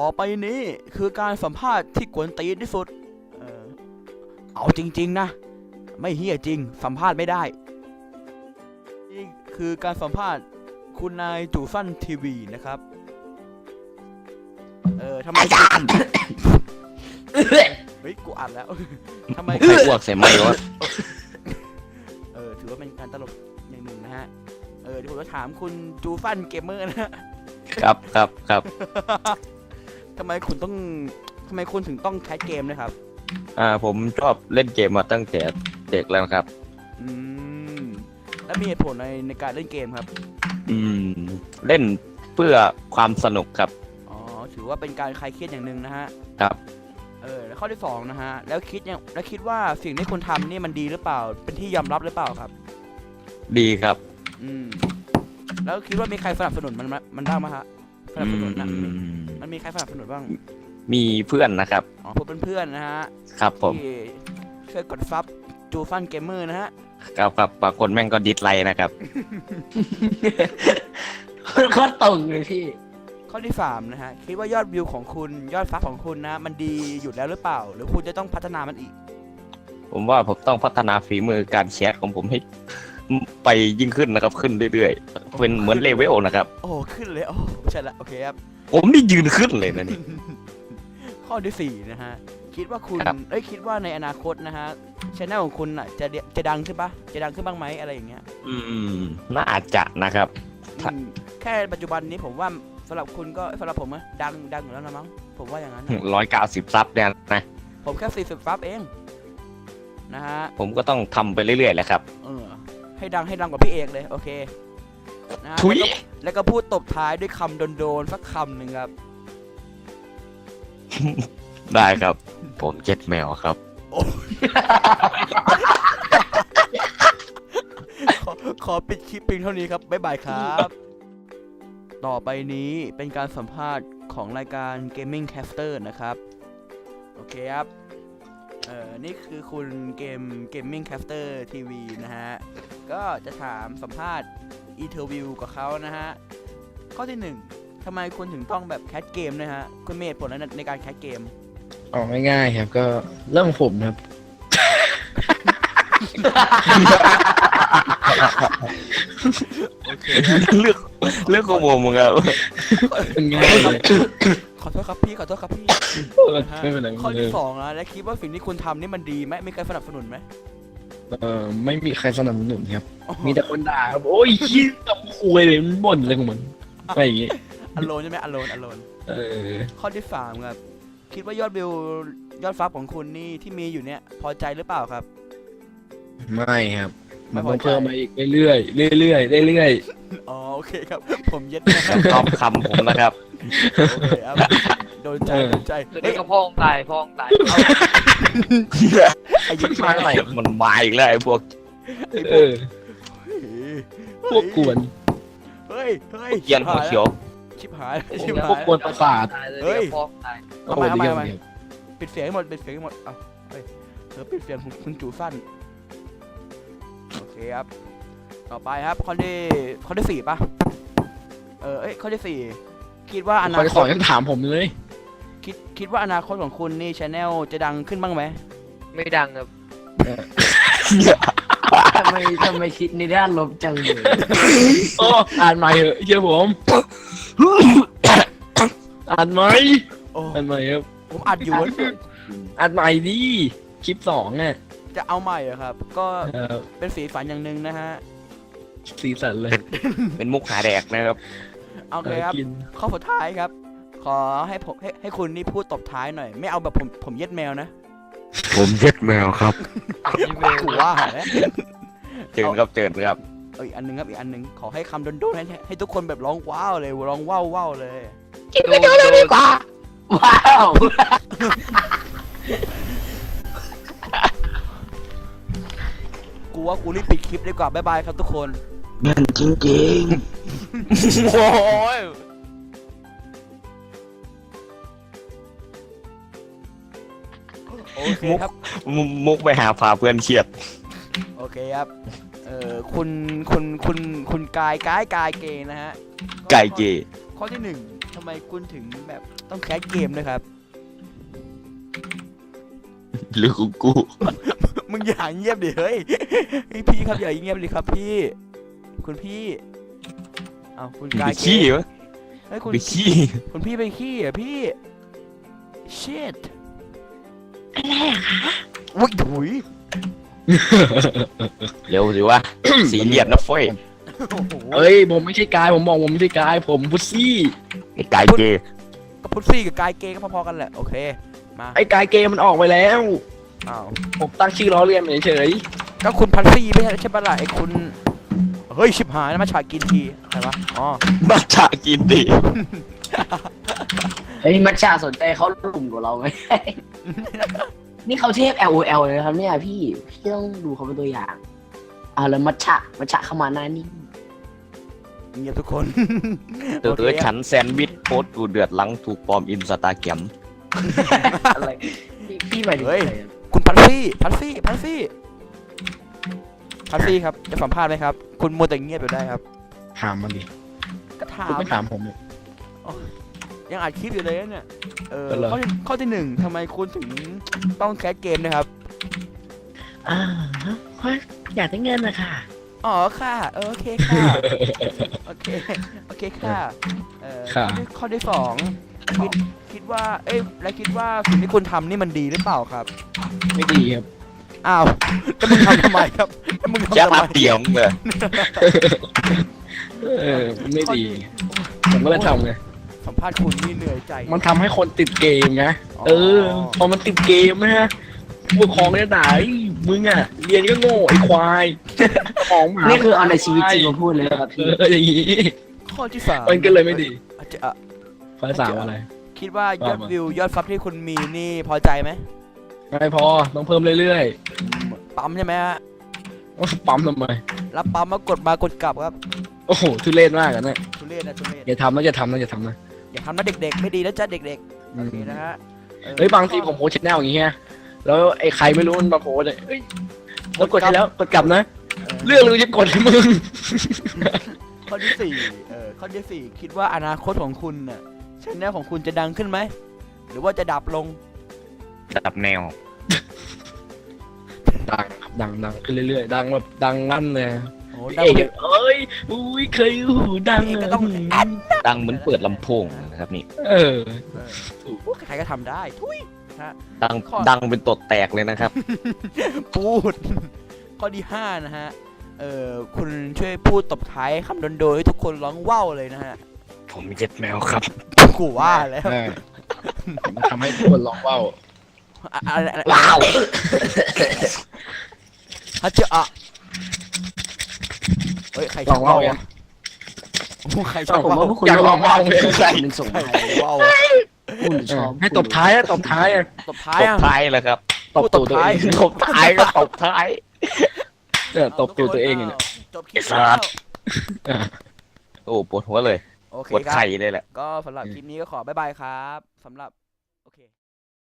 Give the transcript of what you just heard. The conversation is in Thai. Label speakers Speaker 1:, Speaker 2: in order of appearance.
Speaker 1: ต่อไปนี้คือการสัมภาษณ์ที่กวนตีนที่สุดเออเอาจริงๆนะไม่เฮี้ยจริงสัมภาษณ์ไม่ได้นี่คือการสัมภาษณ์คุณนายจู่ฟั่นทีวีนะครับทำไมอาจารย์เฮ้ยกูอัดแล้วทำไม
Speaker 2: ใครอ้วกใส่ไม้วะ
Speaker 1: ถือว่าเป็นการตลกอย่างหนึ่งนะฮะเดี๋ยวผมจะถามคุณจูฟั่นเกมเมอร์นะฮะ
Speaker 2: ครับ
Speaker 1: ทำไมคุณถึงต้องแคสเกมนะครับ
Speaker 2: ผมชอบเล่นเกมมาตั้งแต่เด็กแล้วครับ
Speaker 1: อืมแล้วมีเหตุผลในการเล่นเกมครับ
Speaker 2: เล่นเพื่อความสนุกครับ
Speaker 1: อ๋อถือว่าเป็นการคลายเครียดอย่างหนึ่งนะฮะ
Speaker 2: ครับ
Speaker 1: แล้วข้อที่สองนะฮะแล้วคิดว่าสิ่งที่คุณทำนี่มันดีหรือเปล่าเป็นที่ยอมรับหรือเปล่าครับ
Speaker 2: ดีครับ
Speaker 1: แล้วคิดว่ามีใครสนับสนุนมันบ้างไหมฮะสนับสนุนนะมันมีใครสนับสนุนบ้าง
Speaker 2: มีเพื่อนนะครับ
Speaker 1: อ๋อพวกเพื่อนๆนะฮะ
Speaker 2: ครับผม
Speaker 1: ที่ช่วยกดซับจูฟันเกมเมอร์นะฮะ
Speaker 2: ครับบางคนแม่งก็ดิสไลค์นะครับ
Speaker 3: โคตรตรงเลยพี่
Speaker 1: ข้อที่3นะฮะคิดว่ายอดวิวของคุณยอดซับของคุณนะมันดีอยู่แล้วหรือเปล่า หรือคุณจะต้องพัฒนามันอีก
Speaker 2: ผมว่าผมต้องพัฒนาฝีมือการแชทของผมให้ไปยิ่งขึ้นนะครับขึ้นเรื่อยๆเป็นเหมือนเลเวลนะครับ
Speaker 1: โอ้ขึ้นเลยโอ้ใช่ละโอเคครับ
Speaker 2: ผมนี่ยืนขึ้นเลยนะนี่
Speaker 1: ข้อที่4นะฮะคิดว่าคุณ
Speaker 2: ครับ
Speaker 1: คิดว่าในอนาคตนะฮะช่องของคุณอ่ะจะดังขึ้นปะจะดังขึ้นบ้างไหมอะไรอย่างเงี้ย
Speaker 2: น่าจะนะครับ
Speaker 1: อืมแค่ปัจจุบันนี้ผมว่าสำหรับคุณก็สำหรับผมอะดังอยู่แล้วนะมั้งผมว่าอย่างนั้นนะ
Speaker 2: 190 ซับเนี่ยนะ
Speaker 1: ผมแค่40ซับเองนะฮะ
Speaker 2: ผมก็ต้องทำไปเรื่อยๆแหละครับ
Speaker 1: ให้ดังกว่าพี่เอกเลยโอเคนะ
Speaker 2: ทุย
Speaker 1: แล้วก็พูดตบท้ายด้วยคำโดนๆสักคำหนึ่งครับ
Speaker 2: ได้ครับ ผมเจ็ดแมวครับ
Speaker 1: ขอปิดคลิปเพียงเท่านี้ครับบ๊ายบายครับ ต่อไปนี้เป็นการสัมภาษณ์ของรายการ Gaming Caster นะครับโอเคครับนี่คือคุณGaming Caster TV นะฮะก็จะถามสัมภาษณ์อินเทอร์วิวกับเขานะฮะข้อที่1ทำไมคุณถึงต้องแบบแคสเกมนะฮะคุณมีเหตุผลในการแคสเกม
Speaker 3: ออกง่ายๆครับก็เรื่องของผมครับ
Speaker 1: โอเค
Speaker 2: เรื่องของผมครับ
Speaker 3: เป็นง่ายเลย
Speaker 1: ขอโทษครับพี่
Speaker 3: ไม่เป็นไร
Speaker 1: ข้อที่2นะและคิดว่าสิ่งที่คุณทำนี่มันดีไหมมีใครสนับสนุนไหม
Speaker 3: ไม่มีใครสนับสนุนครับ มีแต่คนด่าครับโอ้ยขี้กับคุยเลยมันบ่นอะไรของมันอะไรอย่างงี้
Speaker 1: อโลนใช่ไหมอโลน ข้อที่3ครับคิดว่ายอดวิวยอดฟับของคุณนี่ที่มีอยู่เนี่ยพอใจหรือเปล่าครับ
Speaker 3: ไม่ครับ
Speaker 1: ไม่
Speaker 3: มัน
Speaker 1: พอ
Speaker 3: ต้อง
Speaker 1: ใจ
Speaker 3: เพิ่มมาอีกเรื่อยๆเรื่อยๆเรื่อย
Speaker 1: อ๋อโอเคครับผมเย็ดนะครับ
Speaker 2: ชอบคำผมนะครับ
Speaker 1: โอเคครับโดนใจ
Speaker 4: เด็กกับพ่องตาย
Speaker 1: ไอ้เย็ด
Speaker 2: มา
Speaker 1: แม่
Speaker 2: อะไรมันมาอีกแล้วไอ้พวก
Speaker 3: พวกกวน
Speaker 1: เฮ้ย
Speaker 2: เกียนหัวเขียว
Speaker 1: ชิบหาย
Speaker 3: พวกกวนประสาท
Speaker 4: ตายเลยเด็กกับพ่องตาย
Speaker 3: โอ้โหเดียวเนี่ย
Speaker 1: ปิดเสียงให้หมดเอาเฮ้ยปิดเสียงของคุณจูฟั่นโอเคครับต่อไปครับข้อที่4ป่ะข้อที่4คิดว่าอ
Speaker 3: ค
Speaker 1: นา
Speaker 3: อย
Speaker 1: ค
Speaker 3: สอ
Speaker 1: ต
Speaker 3: นยังถามผมเลย
Speaker 1: คิดว่าอนาคตของคุณนี่ชาแนลจะดังขึ้นบ้างไหม
Speaker 4: ไม่ดังครับ
Speaker 5: ทำไมคิดในด้านลบจังเลย
Speaker 3: โอ้อ่านใหม่เหอะเชื่อผมอ่านใหม่
Speaker 1: โอ้
Speaker 3: อ่านใหม่ครับ
Speaker 1: ผมอัดอยู่
Speaker 3: อ่านใหม่ดิคลิป2อ่ะ
Speaker 1: จะเอาใหม่เหรอครับ ก็เป็นสีฝันอย่างหนึ่งนะฮะ
Speaker 3: สีสันเลย
Speaker 2: เป็นมุกหาแดกนะครับ
Speaker 1: โอเคครับ
Speaker 3: กิน
Speaker 1: ข้อสุดท้ายครับ ขอให้ผมให้คุณนี่พูดตบท้ายหน่อย ไม่เอาแบบผมเย็ดแมวนะ
Speaker 2: ผมเจ็ดแมวครับ
Speaker 1: กูว่าแล้ว
Speaker 2: เจิญครับ
Speaker 1: อีกอันหนึงครับอีกอันหนึงขอให้คำโดนๆให้ทุกคนแบบร้องว้าวเลยร้องว้าวเลย
Speaker 4: ดูดีกว่า
Speaker 5: ว้าว
Speaker 1: กูว่ากูรีบปิดคลิปดีกว่าบ๊ายบายครับทุกคน
Speaker 5: แม่นจริง
Speaker 1: โอ้ยโอเคครับ
Speaker 2: มุกไปหาพาเพื่อนเครียด
Speaker 1: โอเคครับคุณกายเกย์นะฮะ
Speaker 2: ไก่เกย์
Speaker 1: ข้อที่หนึ่งทำไมคุณถึงแบบต้องแคสเกมนะครับ
Speaker 2: หรือกู
Speaker 1: มึงอย่าเงียบดิเฮ้ยพี่ครับอย่าเงียบดิครับพี่ คุณพี่อ้าวคุณ
Speaker 2: ไป
Speaker 1: กาย
Speaker 2: ขี้วะ
Speaker 1: เฮ้ยคุณ
Speaker 2: ไปขี้
Speaker 1: คุณพี่ไปขี้เหรอ่ะพี่ shit
Speaker 5: อะไรอะคะ
Speaker 1: อุ้ยถุย
Speaker 2: เร็วสิวะ สีเหลี่ยมนะเฟ้ย
Speaker 1: โอ้โห
Speaker 3: เอ้ยผมไม่ใช่กายผมบอกผมไม่ใช่กายผมพุซซี่
Speaker 2: ไอ้ไก่เกย์
Speaker 1: ก็พุทซี่กับกายเกย์ก็พอๆกันแหละโอเคมา
Speaker 3: ไอ้กายเกมมันออกไปแล้ว
Speaker 1: อ้าว
Speaker 3: ผมตั้งชื่อล้อเลียนเฉย
Speaker 1: ก็คุณพันซี่ไม่ใช่ปะล่ะไอ้คุณเฮ้ยชิบหายนะมาฉากกินทีอะไรวะอ๋อ
Speaker 2: มาฉากินดิ
Speaker 5: เฮ้ยมัชชาสนใจเขาหลุมกว่าเราไหม นี่เขาเทพ LOL เลยนะครับเนี่ยพี่ต้องดูเขาเป็นตัวอย่างเอาแล้วมัชชาเข้ามาหน้านิ่ง
Speaker 1: เงียบทุกคน
Speaker 2: เตือฉันแซนด์วิชโพสต์กูเดือดหลังถูกปลอมอินสตาแกรม
Speaker 5: อะไรพี่หมายถึงอะไรอะ
Speaker 1: คุณพันซี่ครับจะสัมภาษณ์ไหมครับ คุณมัวแต่เงียบอยู่ได้ครับ
Speaker 3: ๆถามมันดิ
Speaker 1: ก็ถา
Speaker 3: คุณ
Speaker 1: ม
Speaker 3: ไม่ถามผมเลย
Speaker 1: ยังอัดคลิปอยู่เลยนะเนี่ย
Speaker 3: เป็นไร
Speaker 1: ข้อที่หนึ่งทำไมคุณถึงต้องแคสเกมนะครับ
Speaker 5: เพราะอยากได้เงินนะคะ
Speaker 1: อ๋อค่ะโอเคค่ะโอเคค่ะข้อที่สองคิดว่าและคิดว่าสิ่งที่คุณทำนี่มันดีหรือเปล่าครับ
Speaker 3: ไม่ดีครับ
Speaker 1: อ้าวแล้วมึงทำทำไมครับแล้วมึง
Speaker 2: ยัก
Speaker 1: ทำทำ
Speaker 2: ษ์
Speaker 1: ไม
Speaker 2: เตียงเลย
Speaker 3: ไม่ดี ผมก็เลยทำไง
Speaker 1: สัมภาษณ์คุณนี่เหนื่อยใจ
Speaker 3: มันทำให้คนติดเกมไงพอมันติดเกมนะฮะผู้ปกครองเนี่ยด่าไอ้มึงอ่ะเรียนก็โง่ไอ้ควายของหมา
Speaker 5: นี่คือเอาในชีวิตจริงมาพูดเลยครับพี่
Speaker 3: อย่างนี้
Speaker 1: ข้อที่สาม
Speaker 3: มันก็เลยไม่ดี
Speaker 1: อาจจะ
Speaker 3: ข้อสามอะไร
Speaker 1: คิดว่ายอด
Speaker 3: ว่ามา
Speaker 1: วิวยอดซับที่คุณมีนี่พอใจไหม
Speaker 3: ไม่พอต้องเพิ่มเรื่อย
Speaker 1: ปั๊มใช่ไหมฮะ
Speaker 3: ๆปั๊มทำไม
Speaker 1: รับปั๊มมากดกลับครับ
Speaker 3: โอ้โหทุเรศมากอ่ะเนี่ย
Speaker 1: ทุเรศนะ
Speaker 3: อย่าทำนะอย่าทำนะอย่าทำนะ
Speaker 1: อย่าทำนะเด็กๆไม่ดีนะจ๊ะเด็กๆโอเคนะฮะ
Speaker 3: เฮ้ยบางทีผมโพสแนลอย่างเงี้ยแล้วไอ้ใครไม่รู้มันมาโพสเลยเฮ้ยแล้วกดให้แล้วกดกลับนะ เรื่องเลยจะกดให้มึง
Speaker 1: ข้อที่สี่ข้อที่สี่คิดว่าอนาคตของคุณน่ะชแนลของคุณจะดังขึ้นไหมหรือว่าจะดับลง
Speaker 2: ดับแนว
Speaker 3: ดังครับดังขึ้นเรื่อยๆดังแบบดังลั่นเลย
Speaker 1: โอ้
Speaker 3: พี่
Speaker 1: ดัง
Speaker 3: เอกเอ้ยอุ้ยเคยหูดัง
Speaker 1: พี่เอกก็
Speaker 3: อะ
Speaker 1: ต้องแอด
Speaker 2: ดังเหมือนเปิดลำโพงนะครับนี่
Speaker 3: เออ
Speaker 1: ใครก็ทำได้ทุยฮะ
Speaker 2: ดังเป็นตดแตกเลยนะครับ
Speaker 1: พูด ข้อที่ห้านะฮะคุณช่วยพูดตบท้ายคำโดนๆให้ทุกคนร้องว้าวเลยนะฮะ
Speaker 2: ผมเย็ดแมวครับ
Speaker 1: กูว่าแล้ว
Speaker 3: มันทำให้ทุกคนร้องว้าว
Speaker 1: ว้าวฮัจจะอ่ะเฮ้ยใครช
Speaker 3: ร้
Speaker 1: อ
Speaker 3: อบ งว้าว
Speaker 1: ว้าว
Speaker 3: ยัง
Speaker 1: โอ้ใครชอบ
Speaker 5: ผม
Speaker 1: ว้าว
Speaker 5: ว่าพวกคุณ
Speaker 3: อยากลองว้าวเลย
Speaker 5: ใครหนึ่งส่ง
Speaker 1: ใคร
Speaker 5: ให้
Speaker 1: ว้าว
Speaker 5: คุณชอบ
Speaker 3: ให้ตบท้ายอะตบท้ายอะ
Speaker 1: ตบท้าย
Speaker 2: ตบ
Speaker 1: อ่ะ
Speaker 2: ท้ายเลยครับ
Speaker 3: ตบตูดตัวเอง
Speaker 2: ตบท้ายก็ตบท้าย
Speaker 3: ตบตูดตัวเองเนี่ย
Speaker 1: จบคลิป
Speaker 2: ไอ้สั
Speaker 1: แล้ว
Speaker 2: ตว์ โอ้ปวดหัวเลย
Speaker 1: โอเค
Speaker 2: ปวด
Speaker 1: ครั
Speaker 2: ไข่
Speaker 1: บ
Speaker 2: เลยแหละ
Speaker 1: ก็สำหรับคลิปนี้ก็ขอบ๊ายบายครับสำหรับ